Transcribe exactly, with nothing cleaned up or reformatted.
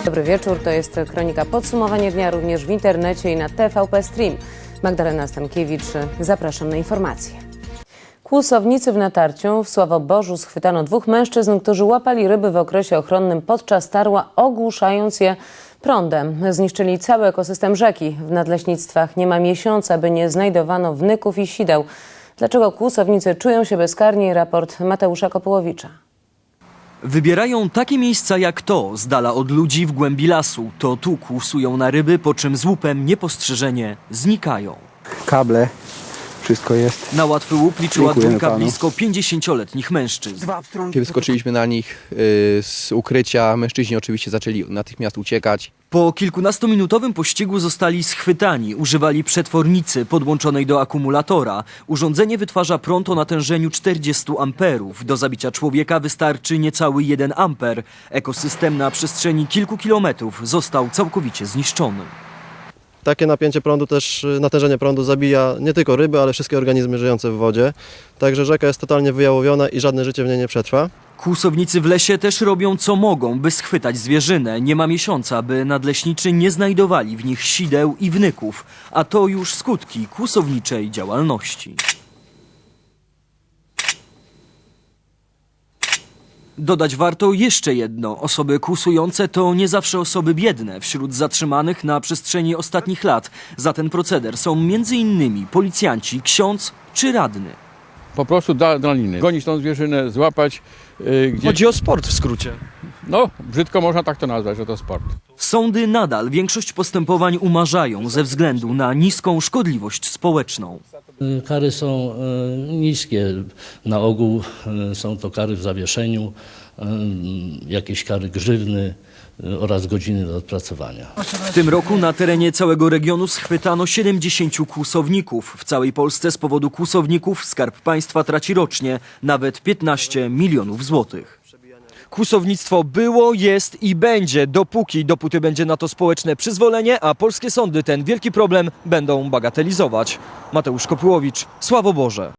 Dobry wieczór, to jest kronika Podsumowanie dnia również w internecie i na T V P Stream. Magdalena Stankiewicz, zapraszam na informacje. Kłusownicy w Natarciu w Sławoborzu schwytano dwóch mężczyzn, którzy łapali ryby w okresie ochronnym podczas tarła, ogłuszając je prądem. Zniszczyli cały ekosystem rzeki. W nadleśnictwach nie ma miesiąca, by nie znajdowano wnyków i sideł. Dlaczego kłusownicy czują się bezkarni? Raport Mateusza Kopułowicza. Wybierają takie miejsca jak to, z dala od ludzi w głębi lasu. To tu kłusują na ryby, po czym z łupem niepostrzeżenie znikają. Kable, wszystko jest. Na łatwy łup liczyła Dziękujemy dwójka panu. blisko pięćdziesięcioletnich mężczyzn. Kiedy wyskoczyliśmy na nich y, z ukrycia, mężczyźni oczywiście zaczęli natychmiast uciekać. Po kilkunastominutowym pościgu zostali schwytani. Używali przetwornicy podłączonej do akumulatora. Urządzenie wytwarza prąd o natężeniu czterdzieści amperów. Do zabicia człowieka wystarczy niecały jeden amper. Ekosystem na przestrzeni kilku kilometrów został całkowicie zniszczony. Takie napięcie prądu też, natężenie prądu zabija nie tylko ryby, ale wszystkie organizmy żyjące w wodzie. Także rzeka jest totalnie wyjałowiona i żadne życie w niej nie przetrwa. Kłusownicy w lesie też robią co mogą, by schwytać zwierzynę. Nie ma miesiąca, by nadleśniczy nie znajdowali w nich sideł i wnyków. A to już skutki kłusowniczej działalności. Dodać warto jeszcze jedno. Osoby kłusujące to nie zawsze osoby biedne. Wśród zatrzymanych na przestrzeni ostatnich lat za ten proceder są między innymi policjanci, ksiądz czy radny. Po prostu do adrenaliny. Gonić tą zwierzynę, złapać. Yy, gdzieś... Chodzi o sport w skrócie. No, brzydko można tak to nazwać, że to sport. Sądy nadal większość postępowań umarzają ze względu na niską szkodliwość społeczną. Kary są niskie. Na ogół są to kary w zawieszeniu, jakieś kary grzywny oraz godziny do odpracowania. W tym roku na terenie całego regionu schwytano siedemdziesięciu kłusowników. W całej Polsce z powodu kłusowników Skarb Państwa traci rocznie nawet piętnaście milionów złotych. Kłusownictwo było, jest i będzie, dopóki, dopóty będzie na to społeczne przyzwolenie, a polskie sądy ten wielki problem będą bagatelizować. Mateusz Kopułowicz, Sławoborze.